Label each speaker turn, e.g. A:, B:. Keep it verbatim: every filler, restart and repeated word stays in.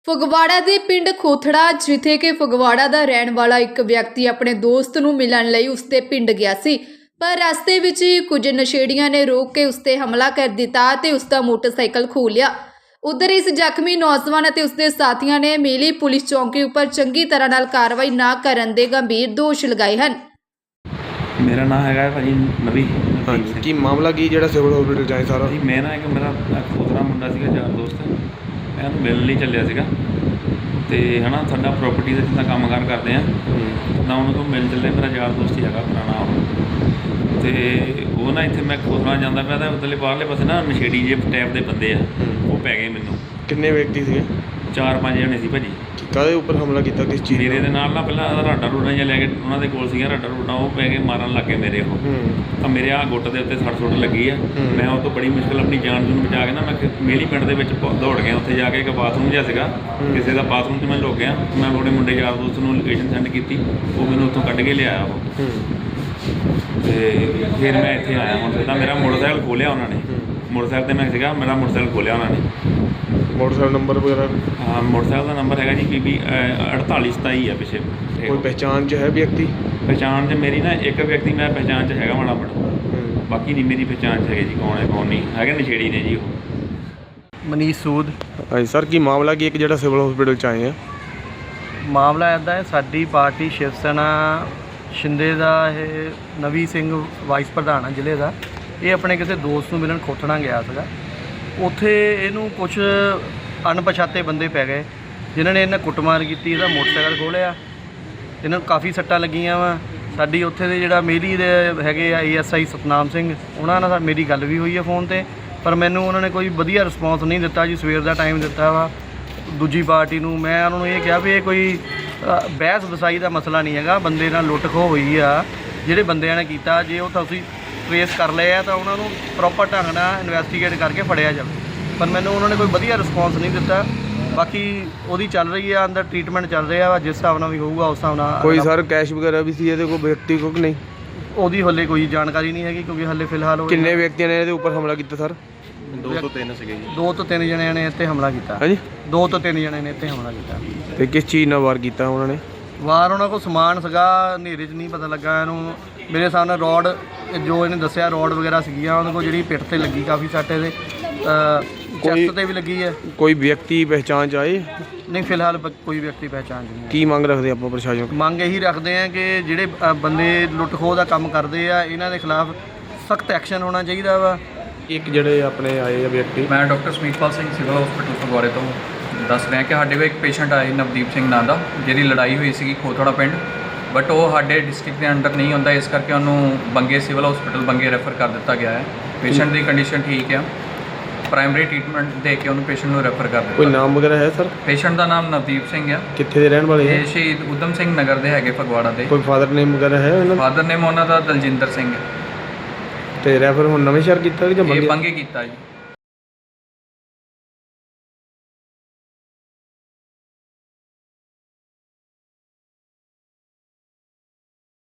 A: ਫਗਵਾੜਾ ਦੇ ਪਿੰਡ ਖੋਥੜਾ, ਜਿੱਥੇ ਕਿ ਫਗਵਾੜਾ ਦਾ ਰਹਿਣ ਵਾਲਾ ਇੱਕ ਵਿਅਕਤੀ ਆਪਣੇ ਦੋਸਤ ਨੂੰ ਮਿਲਣ ਲਈ ਉਸਦੇ ਪਿੰਡ ਗਿਆ ਸੀ, ਪਰ ਰਸਤੇ ਵਿੱਚ ਹੀ ਕੁਝ ਨਸ਼ੇੜੀਆਂ ਨੇ ਰੋਕ ਕੇ ਉਸਤੇ ਹਮਲਾ ਕਰ ਦਿੱਤਾ ਤੇ ਉਸਦਾ ਮੋਟਰਸਾਈਕਲ ਖੋਹ ਲਿਆ। ਉਧਰ ਇਸ ਜ਼ਖਮੀ ਨੌਜਵਾਨ ਅਤੇ ਉਸਦੇ ਸਾਥੀਆਂ ਨੇ ਮੇਲੀ ਪੁਲਿਸ ਚੌਂਕੀ ਉੱਪਰ ਚੰਗੀ ਤਰ੍ਹਾਂ ਨਾਲ ਕਾਰਵਾਈ ਨਾ ਕਰਨ ਦੇ ਗੰਭੀਰ ਦੋਸ਼ ਲਗਾਏ ਹਨ।
B: मेरा नाम है भाजी नवी।
C: हाँ जी, की मामला की जो सिविल हॉस्पिटल जाए सारा
B: जी मैं ना एक मेरा खोतरा मुंडा सीगा यार दोस्त, मैं ਉਹਨੂੰ ਮਿਲਣ ਲਈ ਚੱਲਿਆ ਸੀਗਾ ਤੇ ਹਨਾ ਸਾਡਾ ਪ੍ਰੋਪਰਟੀ ਦਾ ਜਿੱਦਾਂ ਕੰਮ ਕਾਰ ਕਰਦੇ ਆ ਤਾਂ ਉਹਨਾਂ ਤੋਂ ਮਿਲ ਚੱਲੇ। ਮੇਰਾ ਯਾਰ ਦੋਸਤ ਹੀ ਹੈਗਾ ਪੁਰਾਣਾ ਉਹ, ਤੇ ਉਹ ਨਾ ਇੱਥੇ ਮੈਂ ਖੋਤਰਾ ਜਾਂਦਾ ਪਿਆ ਤਾਂ ਉੱਧਰਲੇ ਬਾਹਰਲੇ ਪਾਸੇ ਨਾ ਨਸ਼ੇੜੀ ਜੇ ਟਾਈਪ ਦੇ ਬੰਦੇ ਆ ਉਹ ਪੈ ਗਏ ਮੈਨੂੰ।
C: ਕਿੰਨੇ ਵਿਅਕਤੀ ਸੀਗੇ?
B: ਚਾਰ ਪੰਜ ਜਣੇ ਸੀ ਭਾਜੀ।
C: ਕਾਹਦੇ ਉੱਪਰ ਹਮਲਾ ਕੀਤਾ, ਕਿਸ ਚੀਜ਼
B: ਮੇਰੇ ਦੇ ਨਾਲ ਨਾ ਪਹਿਲਾਂ ਰਾਡਾ ਰੂਡਾ ਜਿਹਾ ਲੈ ਕੇ ਉਹਨਾਂ ਦੇ ਕੋਲ ਸੀਗਾ ਰਾਡਾ ਰੂਡਾ, ਉਹ ਪੈ ਕੇ ਮਾਰਨ ਲੱਗ ਗਏ ਮੇਰੇ ਉਹ। ਤਾਂ ਮੇਰੇ ਆਹ ਗੁੱਟ ਦੇ ਉੱਤੇ ਸੱਟ ਸੁੱਟ ਲੱਗੀ ਆ। ਮੈਂ ਉਹ ਤੋਂ ਬੜੀ ਮੁਸ਼ਕਿਲ ਆਪਣੀ ਜਾਨ ਨੂੰ ਬਚਾ ਕੇ ਨਾ ਮੈਂ ਮੇਲੀ ਪਿੰਡ ਦੇ ਵਿੱਚ ਦੌੜ ਗਿਆ। ਉੱਥੇ ਜਾ ਕੇ ਇੱਕ ਬਾਥਰੂਮ ਜਿਹਾ ਸੀਗਾ ਕਿਸੇ ਦਾ, ਬਾਥਰੂਮ 'ਚ ਮੈਂ ਲੁੱਕ ਗਿਆ। ਮੈਂ ਆਪਣੇ ਮੁੰਡੇ ਯਾਰ ਦੋਸਤ ਨੂੰ ਲੋਕੇਸ਼ਨ ਸੈਂਡ ਕੀਤੀ, ਉਹ ਮੈਨੂੰ ਉੱਥੋਂ ਕੱਢ ਕੇ ਲਿਆਇਆ ਉਹ। ਅਤੇ ਫਿਰ ਮੈਂ ਇੱਥੇ ਆਇਆ। ਹੁਣ ਤਾਂ ਮੇਰਾ ਮੋਟਰਸਾਈਕਲ ਖੋਲ੍ਹਿਆ ਉਹਨਾਂ ਨੇ, ਮੋਟਰਸਾਈਕਲ 'ਤੇ ਮੈਂ ਸੀਗਾ, ਮੇਰਾ ਮੋਟਰਸਾਈਕਲ ਖੋਲ੍ਹਿਆ ਉਹਨਾਂ ਨੇ।
C: ਮੋਟਰਸਾਈਕਲ ਨੰਬਰ ਵਗੈਰਾ?
B: ਹਾਂ, ਮੋਟਰਸਾਈਕਲ ਦਾ ਨੰਬਰ ਹੈਗਾ ਜੀ ਪੀ ਬੀ ਅੜਤਾਲੀ ਸਤਾਈ ਆ ਪਿੱਛੇ।
C: ਕੋਈ ਪਹਿਚਾਣ 'ਚ ਹੈ ਵਿਅਕਤੀ?
B: ਪਹਿਚਾਣ 'ਚ ਮੇਰੀ ਨਾ ਇੱਕ ਵਿਅਕਤੀ ਮੈਂ ਪਹਿਚਾਣ 'ਚ ਹੈਗਾ ਮਾੜਾ ਮਾੜਾ, ਬਾਕੀ ਨਹੀਂ ਮੇਰੀ ਪਹਿਚਾਣ 'ਚ ਹੈਗੇ ਜੀ ਕੌਣ ਹੈ ਕੌਣ ਨਹੀਂ ਹੈਗੇ। ਨਸ਼ੇੜੀ ਨੇ ਜੀ ਉਹ।
D: ਮਨੀਸ਼ ਸੂਦ।
C: ਹਾਂਜੀ ਸਰ, ਕੀ ਮਾਮਲਾ ਕੀ ਇੱਕ ਜਿਹੜਾ ਸਿਵਲ ਹਸਪੀਟਲ 'ਚ ਆਏ ਆ?
D: ਮਾਮਲਾ ਇੱਦਾਂ ਹੈ, ਸਾਡੀ ਪਾਰਟੀ ਸ਼ਿਵ ਸੈਨਾ ਸ਼ਿੰਦੇ ਦਾ ਇਹ ਨਵੀ ਸਿੰਘ ਵਾਈਸ ਪ੍ਰਧਾਨ ਆ ਜ਼ਿਲ੍ਹੇ ਦਾ। ਇਹ ਆਪਣੇ ਕਿਸੇ ਦੋਸਤ ਨੂੰ ਮਿਲਣ ਖੋਤੜਾ ਗਿਆ ਸੀਗਾ। ਉੱਥੇ ਇਹਨੂੰ ਕੁਛ ਅਣਪਛਾਤੇ ਬੰਦੇ ਪੈ ਗਏ ਜਿਨ੍ਹਾਂ ਨੇ ਇਹਨਾਂ ਕੁੱਟਮਾਰ ਕੀਤੀ, ਇਹਦਾ ਮੋਟਰਸਾਈਕਲ ਖੋਲ੍ਹਿਆ, ਇਹਨਾਂ ਨੂੰ ਕਾਫੀ ਸੱਟਾਂ ਲੱਗੀਆਂ ਵਾ। ਸਾਡੀ ਉੱਥੇ ਦੇ ਜਿਹੜਾ ਮੇਰੀ ਦੇ ਹੈਗੇ ਆ A S I Satnam Singh, ਉਹਨਾਂ ਨਾਲ ਮੇਰੀ ਗੱਲ ਵੀ ਹੋਈ ਹੈ ਫੋਨ 'ਤੇ, ਪਰ ਮੈਨੂੰ ਉਹਨਾਂ ਨੇ ਕੋਈ ਵਧੀਆ ਰਿਸਪੌਂਸ ਨਹੀਂ ਦਿੱਤਾ ਜੀ। ਸਵੇਰ ਦਾ ਟਾਈਮ ਦਿੱਤਾ ਵਾ ਦੂਜੀ ਪਾਰਟੀ ਨੂੰ। ਮੈਂ ਉਹਨਾਂ ਨੂੰ ਇਹ ਕਿਹਾ ਵੀ ਇਹ ਕੋਈ ਬਹਿਸ ਵਸਾਈ ਦਾ ਮਸਲਾ ਨਹੀਂ ਹੈਗਾ, ਬੰਦੇ ਨਾਲ ਲੁੱਟ ਖੋਹ ਹੋਈ ਆ, ਜਿਹੜੇ ਬੰਦਿਆਂ ਨੇ ਕੀਤਾ ਜੇ ਉਹ ਤੁਸੀਂ ਟਰੇਸ ਕਰ ਲਏ ਆ ਤਾਂ ਉਹਨਾਂ ਨੂੰ ਪ੍ਰੋਪਰ ਢੰਗ ਨਾਲ ਇਨਵੈਸਟੀਗੇਟ ਕਰਕੇ ਫੜਿਆ ਜਾਵੇ। ਪਰ ਮੈਨੂੰ ਉਹਨਾਂ ਨੇ ਕੋਈ ਵਧੀਆ ਰਿਸਪੌਂਸ ਨਹੀਂ ਦਿੱਤਾ। ਬਾਕੀ ਉਹਦੀ ਚੱਲ ਰਹੀ ਆ, ਅੰਦਰ ਟ੍ਰੀਟਮੈਂਟ ਚੱਲ ਰਿਹਾ ਵਾ, ਜਿਸ ਹਿਸਾਬ ਨਾਲ ਵੀ ਹੋਊਗਾ ਉਸ ਹਿਸਾਬ ਨਾਲ।
C: ਕੋਈ ਸਰ ਕੈਸ਼ ਵਗੈਰਾ ਵੀ ਸੀ ਇਹਦੇ ਕੋਲ ਵਿਅਕਤੀ ਕੋਲ ਕਿ ਨਹੀਂ?
D: ਉਹਦੀ ਹਲੇ ਕੋਈ ਜਾਣਕਾਰੀ ਨਹੀਂ ਹੈਗੀ ਕਿਉਂਕਿ ਹਲੇ ਫਿਲਹਾਲ।
C: ਕਿੰਨੇ ਵਿਅਕਤੀਆਂ ਨੇ ਇਹਦੇ ਉੱਪਰ ਹਮਲਾ ਕੀਤਾ ਸਰ?
D: ਦੋ ਤੋਂ ਤਿੰਨ ਸੀਗੇ ਜੀ। ਦੋ ਤੋਂ ਤਿੰਨ ਜਣਿਆਂ ਨੇ ਇੱਥੇ ਹਮਲਾ ਕੀਤਾ।
C: ਹਾਂਜੀ, ਦੋ
D: ਤੋਂ ਤਿੰਨ ਜਣੇ ਨੇ ਇੱਥੇ ਹਮਲਾ ਕੀਤਾ।
C: ਤੇ ਕਿਸ ਚੀਜ਼ ਨਾਲ ਵਾਰ ਕੀਤਾ ਉਹਨਾਂ ਨੇ?
D: ਵਾਰ ਉਹਨਾਂ ਕੋਲ ਸਮਾਨ ਸੀਗਾ, ਹਨੇਰੇ 'ਚ ਨਹੀਂ ਪਤਾ ਲੱਗਾ ਇਹਨੂੰ। ਮੇਰੇ ਸਾਹਮਣੇ ਰੋਡ, ਜੋ ਇਹਨੇ ਦੱਸਿਆ ਰੋਡ ਵਗੈਰਾ ਸੀਗੀਆਂ ਉਹਨਾਂ ਕੋਲ, ਜਿਹੜੀ ਪਿੱਠ 'ਤੇ ਲੱਗੀ ਕਾਫੀ ਸੱਟ, ਇਹਦੇ ਚੈਸਟ 'ਤੇ ਵੀ ਲੱਗੀ ਹੈ।
C: ਕੋਈ ਵਿਅਕਤੀ ਪਹਿਚਾਣ 'ਚ ਆਏ?
D: ਨਹੀਂ, ਫਿਲਹਾਲ ਕੋਈ ਵਿਅਕਤੀ ਪਹਿਚਾਣ 'ਚ ਨਹੀਂ।
C: ਕੀ ਮੰਗ ਰੱਖਦੇ ਆਪਾਂ ਪ੍ਰਸ਼ਾਸਨ?
D: ਮੰਗ ਇਹੀ ਰੱਖਦੇ ਆ ਕਿ ਜਿਹੜੇ ਬੰਦੇ ਲੁੱਟ ਖੋਹ ਦਾ ਕੰਮ ਕਰਦੇ ਆ ਇਹਨਾਂ ਦੇ ਖਿਲਾਫ ਸਖਤ ਐਕਸ਼ਨ ਹੋਣਾ ਚਾਹੀਦਾ ਵਾ।
C: ਇੱਕ ਜਿਹੜੇ ਆਪਣੇ ਆਏ ਆ ਵਿਅਕਤੀ?
E: ਮੈਂ doctor Samitpal Singh civil hospital ਫਗਵਾੜੇ ਤੋਂ ਦੱਸ ਰਿਹਾ ਕਿ ਸਾਡੇ ਕੋਲ ਇੱਕ ਪੇਸ਼ੈਂਟ ਆਏ ਨਵਦੀਪ ਸਿੰਘ ਨਾਂ ਦਾ, ਜਿਹਦੀ ਲੜਾਈ ਹੋਈ ਸੀਗੀ ਖੋਥੜਾ ਪਿੰਡ, ਬਟ ਉਹ ਸਾਡੇ ਡਿਸਟ੍ਰਿਕਟ ਦੇ ਅੰਡਰ ਨਹੀਂ ਹੁੰਦਾ, ਇਸ ਕਰਕੇ ਉਹਨੂੰ ਬੰਗੇ ਸਿਵਲ ਹਸਪੀਟਲ ਬੰਗੇ ਰੈਫਰ ਕਰ ਦਿੱਤਾ ਗਿਆ ਹੈ। ਪੇਸ਼ੈਂਟ ਦੀ ਕੰਡੀਸ਼ਨ ਠੀਕ ਆ, ਪ੍ਰਾਇਮਰੀ ਟ੍ਰੀਟਮੈਂਟ ਦੇ ਕੇ ਉਹਨੂੰ ਪੇਸ਼ੈਂਟ ਨੂੰ ਰੈਫਰ ਕਰ ਦਿੱਤਾ।
C: ਕੋਈ ਨਾਮ ਵਗੈਰਾ ਹੈ ਸਰ?
E: ਪੇਸ਼ੈਂਟ ਦਾ ਨਾਮ ਨਵਦੀਪ ਸਿੰਘ ਆ।
C: ਕਿੱਥੇ ਦੇ ਰਹਿਣ ਵਾਲੇ?
E: ਇਹ ਸ਼ਹੀਦ ਊਧਮ ਸਿੰਘ ਨਗਰ ਦੇ ਹੈਗੇ ਫਗਵਾੜਾ ਦੇ।
C: ਕੋਈ ਫਾਦਰ ਨੇਮ ਵਗੈਰਾ ਹੈ ਇਹਨਾਂ ਦਾ?
E: ਫਾਦਰ ਨੇਮ ਉਹਨਾਂ ਦਾ ਦਲਜਿੰਦਰ ਸਿੰਘ ਹੈ।
C: ਤੇ ਰੈਫਰ ਹੁਣ ਨਵੇਂ ਸ਼ਹਿਰ ਕੀਤਾ ਕਿ ਜਾਂ
E: ਇਹ ਬੰਗੇ ਕੀਤਾ ਜੀ।